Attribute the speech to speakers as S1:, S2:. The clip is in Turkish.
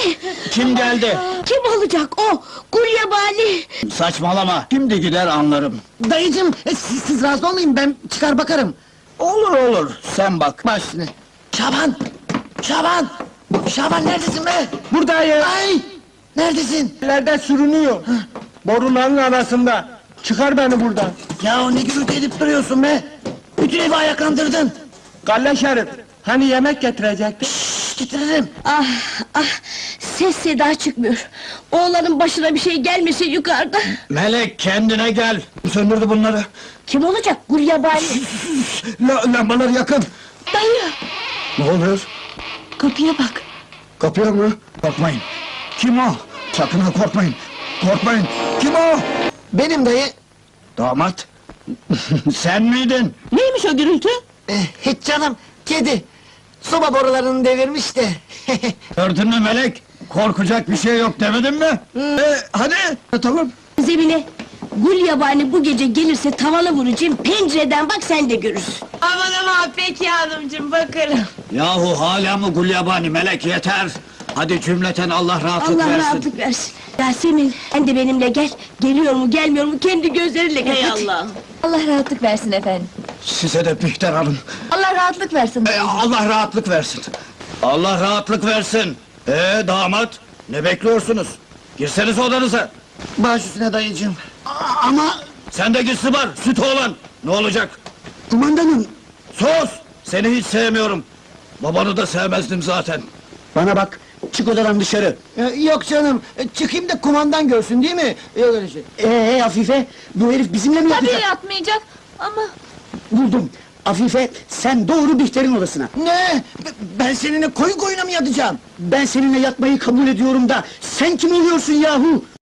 S1: Kim geldi?
S2: Kim olacak o? Gulyabani!
S1: Saçmalama, şimdi gider anlarım.
S3: Dayıcım, siz razı olmayın, ben çıkar bakarım.
S1: Olur olur, sen bak.
S3: Baş üstüne. Şaban! Şaban! Şaban neredesin be?
S4: Buradayım.
S3: Ay! Neredesin?
S4: Nerede sürünüyor? Boruların arasında. Çıkar beni buradan.
S3: Ya ne gürültü edip duruyorsun be? Bütün evi ayaklandırdın.
S4: Galle Şerif. Hani yemek getirecektin?
S3: Şşş, getiririm.
S2: Ah, ah! Ses seda çıkmıyor. Oğlanın başına bir şey gelmese yukarıda.
S1: Melek, kendine gel! Söndürdü bunları.
S2: Kim olacak? Gulyabani!
S1: Lambalar yakın!
S2: Dayı!
S1: Ne oluyor?
S2: Kapıya bak!
S1: Kapıyor mu? Korkmayın! Kim o? Sakın ha korkmayın! Korkmayın! Kim o?
S3: Benim dayı.
S1: Damat! Sen miydin?
S2: Neymiş o gürültü?
S3: Hiç canım, kedi. Soba borularını devirmiş de.
S1: Gördün mü Melek? Korkacak bir şey yok demedim mi? Hadi! Tamam!
S2: Zemine! Gulyabani bu gece gelirse tavana vuracağım, pencereden bak sen de görürsün.
S5: Aman aman peki hanımcığım bakarım.
S1: Yahu hala mı gulyabani Melek yeter! Hadi cümleten Allah rahatlık
S2: Allah
S1: versin!
S2: rahatlık versin. Yasemin, sen de benimle gel. Geliyor mu gelmiyor mu kendi gözleriyle gör.
S5: Hey
S2: hadi.
S5: Allah.
S6: Allah rahatlık versin efendim.
S1: Size de Bihter Hanım!
S6: Allah rahatlık versin.
S1: Allah rahatlık versin! Allah rahatlık versin! Damat! Ne bekliyorsunuz? Girseniz odanıza!
S3: Baş üstüne dayıcım. Ama
S1: Sen de git Sıbar, süt oğlan! Ne olacak?
S3: kumandanım,
S1: Sus! Seni hiç sevmiyorum! Babanı da sevmezdim zaten!
S3: bana bak, çık odadan dışarı. Yok canım, çıkayım da kumandan görsün değil mi? Yok öyle şey. Afife, bu herif bizimle mi
S6: Tabii
S3: yatacak?
S6: yatmayacak ama...
S3: Buldum. Afife, sen doğru Bihter'in odasına. Ne? Ben seninle koyuna mı yatacağım? Ben seninle yatmayı kabul ediyorum da, sen kim oluyorsun yahu?